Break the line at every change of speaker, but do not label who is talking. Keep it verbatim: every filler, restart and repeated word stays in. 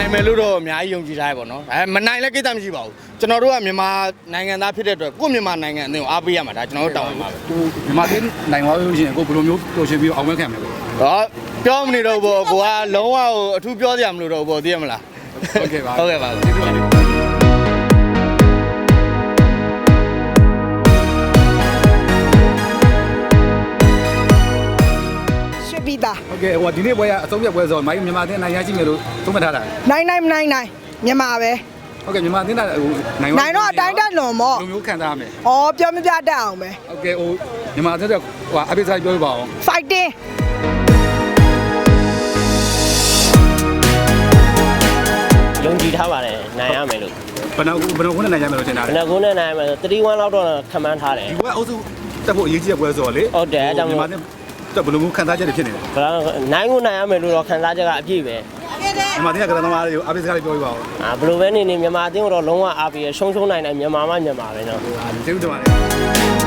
နိုင်မယ်လို့တော့အများကြီးယုံကြည်ထားရပါတော့အဲမနိုင်လည်းကိစ္စမရှိပါဘူးကျွန်တော်တို့ကမြန်မာနိုင်ငံသားဖြစ်တဲ့အတွက်ကိုယ့်မြန်မာနိုင်ငံအသင်းကိုအားပေးရမှာဒါကျွန်တော်တို့တောင်းပန်ပါပဲ
မြန်မာပြည်နိုင်သွားလို့ရှိရင်ကိုဘယ်လိုမျိုးပျော်ရွှင်ပြီးအောင်ပွဲခံမလဲပေါ့
ဟောပြောမနေတော့ဘူးကိုကလုံးဝအထူးပြောစရာမလိုတော့ဘူးသိရမလား
ဟုတ်ကဲ့ပါ
ဟုတ်ကဲ့ပါ
ကျေးဇူးပါ
ပြီးသား
โอเคဟိုဒီနေ့ပွဲကအဆုံးဖြတ်ပွဲဆိုမိုင်းမြန်မာအသင်းနိုင်ရရှိမယ်လို့သုံးသပ်ထားတာ
နိုင်နိုင်မနိုင်နိုင်မြန်မာပဲ
โอเคမြန်မာအသင်းကဟိုနိုင်
နိုင်တော့အတိုင်းတက်လွန်မော့
လိုမျိုးခံစားရမယ်
ဩပြောမပြတတ်အောင်ပဲ
โอเคဟိုမြန်မာအသင်းကဟိုအပိစားပြောပြပါအောင်
fighting
ယုံကြည်ထားပါတယ်နိုင်ရမယ်လို့
ဘယ်နှဘယ်နှခုနဲ့နိုင်ရမယ်လို့ထင်တာ
ဘ
လဲ
ယ်နှကုန်းနဲ့နိုင်ရမယ်ဆို၃၁လောက်တော့ခန့်မှန်းထားတယ်
ဒီပွဲအုပ်စုတက်ဖို့အရေးကြီးတဲ့ပွဲဆိုတော့လေ
ဟုတ်တယ်အဲကြောင့်
မြန်မာအသင်းတက်ဘယ်လိုမျိုးခံစားချက်တွေဖြစ်နေလဲ
ဘယ်လောက်နိုင်ကိုနိုင်ရမယ်လို့တော့ခန်းစားချက်ကအပြည့်ပဲ
မြန်မာအသင်းကကစားသမားတွေကိုအပိစားလေးပြောပြပါဦး
အာဘယ်လိုပဲနေနေမြန်မာအသင်းကတော့လုံးဝအားပေးရရှုံးရှုံးနိုင်တယ်မြန်မာမှမြန်မာပဲနော်
ကျေးဇူးတင်ပါတယ်